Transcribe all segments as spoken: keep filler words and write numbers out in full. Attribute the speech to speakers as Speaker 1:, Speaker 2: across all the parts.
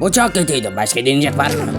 Speaker 1: Bu çok kötüydü. Başka deneyecek var mı?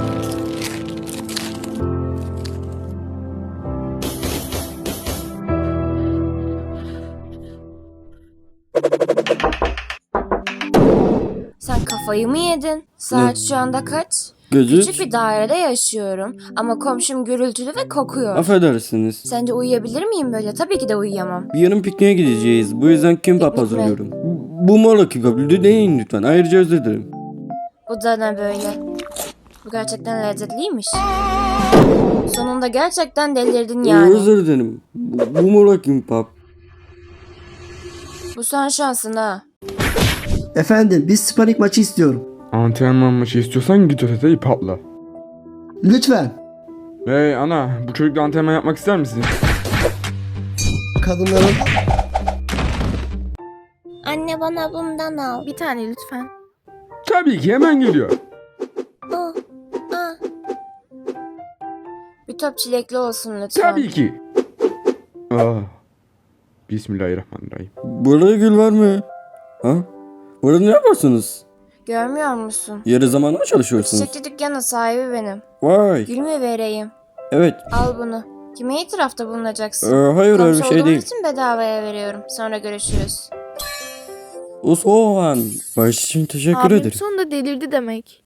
Speaker 2: Sen kafayı mı yedin? Saat şu anda kaç?
Speaker 3: Gece
Speaker 2: Küçük bir dairede yaşıyorum ama komşum gürültülü ve kokuyor.
Speaker 3: affedersiniz.
Speaker 2: Sence uyuyabilir miyim böyle? Tabii ki de uyuyamam.
Speaker 3: Bir yarın pikniğe gideceğiz. Bu yüzden kimbap
Speaker 2: Piknik mi?
Speaker 3: hazırlıyorum. Bu mola kimbap. Deneyin lütfen. Ayrıca özür dilerim.
Speaker 2: Bu da ne böyle? Bu gerçekten lezzetliymiş. Sonunda gerçekten delirdin yani.
Speaker 3: Özür dilerim. Bu, bu mola kimbap.
Speaker 2: Bu son şansın ha.
Speaker 4: Efendim, biz Spanik maçı istiyorum.
Speaker 5: Antrenman maçı istiyorsan git ötete ip atla.
Speaker 4: Lütfen.
Speaker 5: Hey ana, bu çocukla antrenman yapmak ister misin?
Speaker 4: Kadınların...
Speaker 2: Anne bana bundan al.
Speaker 6: Bir tane lütfen.
Speaker 5: Tabii ki hemen geliyor.
Speaker 2: Oh, ah. Bir top çilekli olsun lütfen.
Speaker 5: Tabii ki. Ah. Bismillahirrahmanirrahim.
Speaker 3: Burada gül var mı? Ha? Burada ne yaparsınız?
Speaker 2: Görmüyor musun?
Speaker 3: Yarı zamanlı mı çalışıyorsunuz?
Speaker 2: Çiçekçi dükkanı sahibi benim.
Speaker 3: Vay.
Speaker 2: Gül mü vereyim?
Speaker 3: Evet.
Speaker 2: Al bunu. Kime itirafta
Speaker 3: Ee,
Speaker 2: bulunacaksın?
Speaker 3: hayır öyle bir
Speaker 2: Komşu
Speaker 3: şey
Speaker 2: olduğum
Speaker 3: değil.
Speaker 2: için bedavaya veriyorum. Sonra görüşürüz.
Speaker 3: O soğan. Baş için teşekkür
Speaker 6: Abim
Speaker 3: ederim.
Speaker 6: sonunda delirdi demek.